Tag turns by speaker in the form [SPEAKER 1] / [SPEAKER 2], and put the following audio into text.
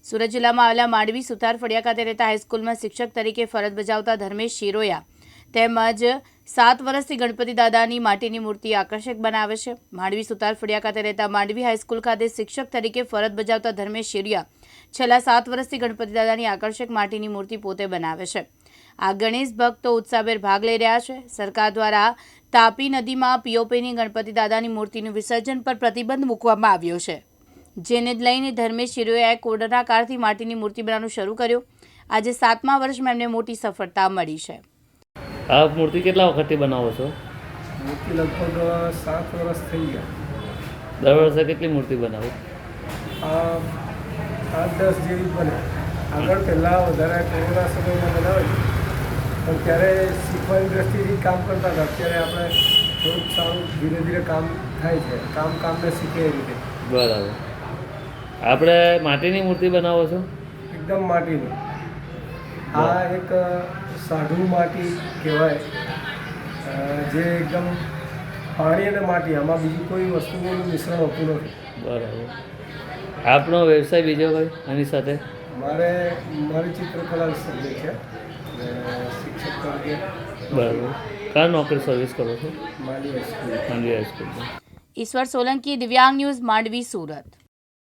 [SPEAKER 1] સુરત જિલ્લામાં આવેલા માંડવી સુથાર ફળિયા ખાતે રહેતા હાઈસ્કૂલમાં શિક્ષક તરીકે ફરજ બજાવતા ધર્મેશ શિરોયા તેમજ 7 વર્ષથી ગણપતિ દાદાની માટીની મૂર્તિ આકર્ષક બનાવે છે। માંડવી સુથાર ફળિયા ખાતે રહેતા માંડવી હાઈસ્કૂલ ખાતે શિક્ષક તરીકે ફરજ બજાવતા ધર્મેશ શિરોયા છેલ્લા 7 વર્ષથી ગણપતિ દાદાની આકર્ષક માટીની મૂર્તિ પોતે બનાવે છે। આ ગણેશ ભક્તો ઉત્સાહભેર ભાગ લઈ રહ્યા છે। સરકાર દ્વારા તાપી નદીમાં પીઓપીની ગણપતિ દાદાની મૂર્તિનું વિસર્જન પર પ્રતિબંધ મૂકવામાં આવ્યો છે, જેને લઈને ધર્મેશ શિરોયાએ કોરોના કાળથી માટીની મૂર્તિ બનાવવાનું શરૂ કર્યું। આજે 7મા વર્ષમાં એમને મોટી સફળતા મળી છે।
[SPEAKER 2] આ મૂર્તિ કેટલા વખતથી બનાવો છો?
[SPEAKER 3] મૂર્તિ લગભગ 7 વર્ષ થઈ ગયા।
[SPEAKER 2] દર વર્ષે કેટલી મૂર્તિ બનાવો?
[SPEAKER 3] 8-10 જેવી બને। આગળ પહેલાં વધારે કોરોના સમયમાં બનાવેલી, પણ ત્યારે શીખવાની દ્રષ્ટિથી કામ કરતા હતા। અત્યારે આપણે થોડુંક સારું ધીરે ધીરે કામ થાય છે, કામને શીખે એ રીતે।
[SPEAKER 2] બરાબર। આપણે માટીની મૂર્તિ બનાવો છો?
[SPEAKER 3] એકદમ માટીની। આ એક સાઢું માટી કહેવાય, જે એકદમ પાણી અને માટી, આમાં બીજી કોઈ વસ્તુનું મિશ્રણ હોતું નથી।
[SPEAKER 2] બરાબર। આપનો વ્યવસાય બીજો કોઈ આની સાથે?
[SPEAKER 3] મારી ચિત્રકલા સબ્જેક્ટ છે અને શિક્ષક તરીકે।
[SPEAKER 2] બરાબર। કયા નોકરી સર્વિસ કરો છો?
[SPEAKER 3] માંડવી હાઈસ્કૂલ।
[SPEAKER 2] માંડવી હાઈસ્કૂલમાં।
[SPEAKER 1] ઈશ્વર સોલંકી, દિવ્યાંગ ન્યૂઝ, માંડવી, સુરત।